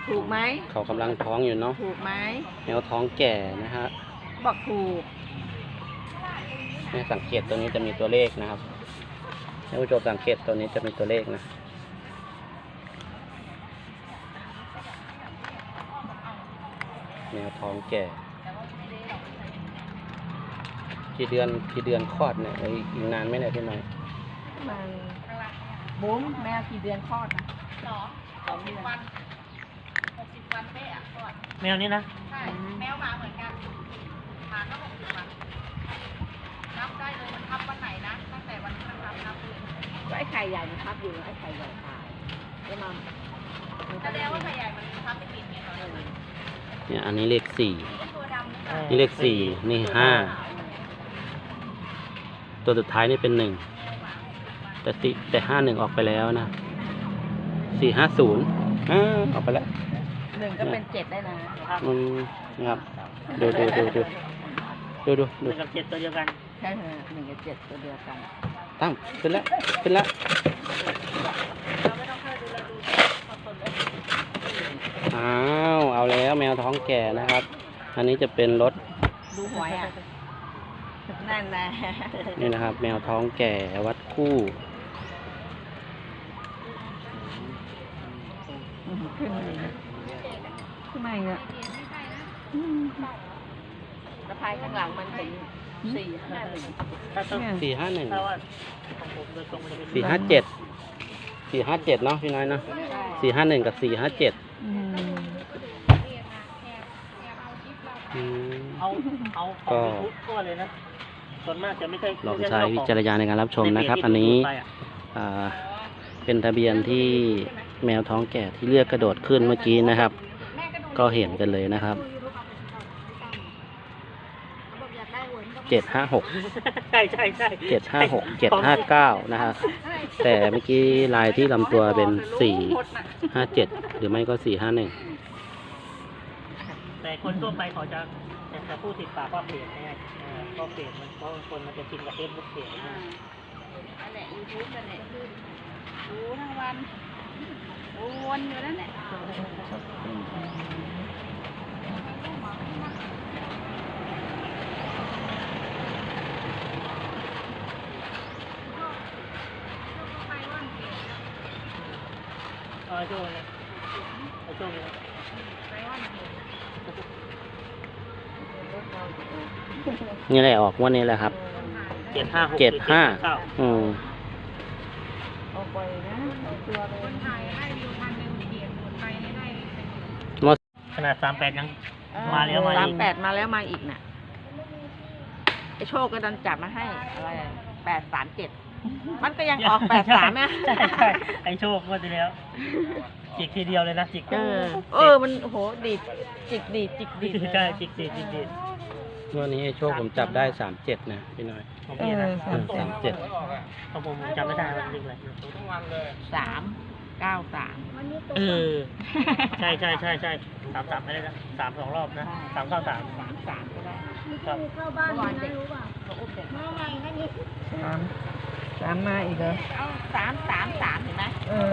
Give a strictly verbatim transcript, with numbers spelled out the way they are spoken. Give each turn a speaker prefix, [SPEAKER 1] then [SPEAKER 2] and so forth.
[SPEAKER 1] ถูกไหม
[SPEAKER 2] เขากำลังท้องอยู่เนาะ
[SPEAKER 1] ถูกไหม
[SPEAKER 2] แมวท้องแก่นะฮะ
[SPEAKER 1] บอกถูก
[SPEAKER 2] เนี่ยสังเกตตัวนี้จะมีตัวเลขนะครับท่านผู้ชมสังเกตตัวนี้จะมีตัวเลขนะแมวท้องแก่กี่เดือนกี่เดือนคลอดเนี่ยอีกนานไหมเนี่ยพี่น้อย
[SPEAKER 1] มันบุ้มแมวกี่เดือนคลอดนะ
[SPEAKER 3] สองสองวันหกสิบวันเป๊ะอ่ะคลอด
[SPEAKER 4] แมวนี่นะ
[SPEAKER 3] ใช่แมวหมาเหมือนกันหมาก็หกสิบวันนับได้เลยมันทับวันไหนนะตั้งแต่วันที่มันทับนับเลย
[SPEAKER 1] ก็ไอ้ไข่ใหญ่มันทับอยู่ไอ้ไข่ใหญ่ตายแล้วมัน
[SPEAKER 3] แสดงว่าไข่ใหญ่มันทับไปกินไงตอนนี้
[SPEAKER 2] เนี่ยอันนี้เลขสี่
[SPEAKER 3] ตัวดำ
[SPEAKER 2] นี่เลขสี่นี่ห้าตัวสุดท้ายนี่เป็นหนึ่งแต่สี่แต่ห้าหนึ่งออกไปแล้วนะสี่ห้าศูนย์อ่าออกไปแล้ว
[SPEAKER 1] หนึ่งก็เป็นเจ็ดได้นะ
[SPEAKER 2] อืมนะครับดูดูดูดูดูดู
[SPEAKER 4] ดูกับเจ็ดตัวเดียวกัน
[SPEAKER 1] ใช่เหรอหนึ่งกับเจ็ดตัวเดียวกัน
[SPEAKER 2] ตั้มขึ้นแล้วขึ้นแล้วอ้าวเอาแล้วแมวท้องแก่นะครับอันนี้จะเป็นรถ
[SPEAKER 1] ดูหวยอ่ะนั่นแหละ
[SPEAKER 2] นี่นะครับแมวท้องแก่วัดคู่
[SPEAKER 1] ขึ้นมาขึ้นมาเนี่ยสะพายข้างหลังมันเห็นสี่ห้าหนึ่ง
[SPEAKER 2] สี่ห้าหนึ่ง
[SPEAKER 4] สี่
[SPEAKER 2] ห้าเจ็ดสี่ห้าเจ็ดเนาะพี่น้อยเนาะสี่ห้าหนึ่งกับสี่ห้าเจ็ด
[SPEAKER 4] เอาเอาก็ก็เลยนะส่วนมากจะไม่ใช่
[SPEAKER 2] ลองใช้วิจารณญาณในการรับชมนะครับอันนี้เป็นทะเบียนที่แมวท้องแก่ที่เลือกกระโดดขึ้นเมื่อกี้นะครับก็เห็นกันเลยนะครับเจ็ดห้าหก
[SPEAKER 4] ใช่ใช่ใช่
[SPEAKER 2] เจ็ดห้าหกเจ็ดห้าเก้านะฮะแต่เมื่อกี้ลายที่ลำตัวเป็นสี่ห้าเจ็ดหรือไม่ก็สี่ห้าหนึ่ง
[SPEAKER 4] แต่คนทั่วไปเขาจะจะพูดติดปากว่าเพจไงเพราะเพจมันเพราะคนมันจะชินกับเฟซบุ๊กเพจนะ
[SPEAKER 3] อันไหนยูทูบอันไหนคือดูทั้งวันวนอยู่นั่นแหละ
[SPEAKER 4] เออโจ้เนี่ยไอโจ้เนี่ย
[SPEAKER 2] นี่แหละออกวันนี้แหละครับ
[SPEAKER 4] เจ็ดห้า
[SPEAKER 2] เจ็ดห้าอืม
[SPEAKER 1] เอาไปนะตัวเลย
[SPEAKER 3] คนไทยให้วิวพันหนึ่งเขียนหมดไปให้
[SPEAKER 2] หมด
[SPEAKER 4] ขนาดสามแปดยังมาแล้วมา
[SPEAKER 1] สามแปดมาแล้วมาอีกน่ะไอโชคก็ดันจับมาให้อะไรแปดสามเจ็ดมันก็ยังออกแปดสามนะ
[SPEAKER 4] ใช่ใช่ไอโชคก็จะแล้วจิกทีเดียวเลยนะจิก
[SPEAKER 1] เออเออมันโหดีดจิกดีดจิกดีด
[SPEAKER 4] ใช่จิกดีดจิกดีด
[SPEAKER 2] วันนี้ไอโชคผมจับได้สามเจ็ดนะพี่น้อย
[SPEAKER 4] ของพี่นะ
[SPEAKER 2] สามเจ็ด
[SPEAKER 4] ของผมจำไม่ได้วันนึงเลย
[SPEAKER 1] สามเก้าสาม
[SPEAKER 4] เออใช่ใช่ใช่ใช่สามสามไม่ได้นะสามสองรอบนะสามเก้าสาม
[SPEAKER 1] สามสามก็ได้
[SPEAKER 3] ครับเข้าบ้านไม่รู้ป่ะมาใหม่นั่นนี่
[SPEAKER 1] สามสามมาอีกเหรอ
[SPEAKER 3] เอาสามสามสามเห็นไหม